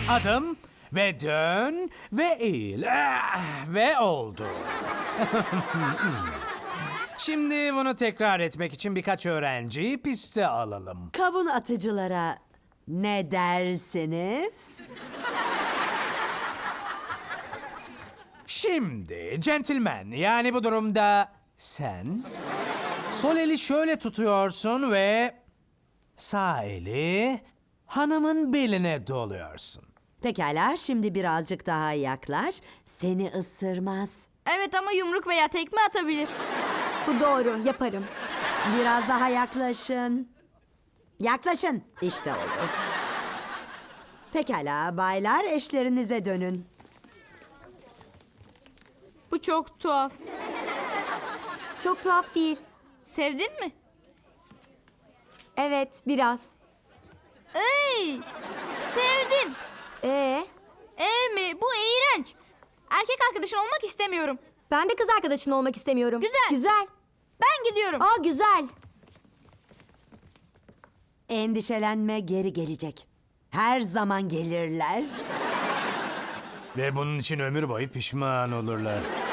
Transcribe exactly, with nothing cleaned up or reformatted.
Adım ve dön ve eğil. Ah, ve oldu. Şimdi bunu tekrar etmek için birkaç öğrenciyi piste alalım. Kavun atıcılara ne dersiniz? Şimdi gentleman, yani bu durumda sen sol eli şöyle tutuyorsun ve sağ eli hanımın beline doluyorsun. Pekala, şimdi birazcık daha yaklaş. Seni ısırmaz. Evet ama yumruk veya tekme atabilir. Bu doğru, yaparım. Biraz daha yaklaşın. Yaklaşın. İşte oldu. Pekala baylar, eşlerinize dönün. Bu çok tuhaf. Çok tuhaf değil. Sevdin mi? Evet, biraz. Ey! Sevdin. Ee, Ee mi? Bu iğrenç. Erkek arkadaşın olmak istemiyorum. ben de kız arkadaşın olmak istemiyorum. Güzel. Güzel. Ben gidiyorum. Aa, güzel. Endişelenme, geri gelecek. Her zaman gelirler. Ve bunun için ömür boyu pişman olurlar.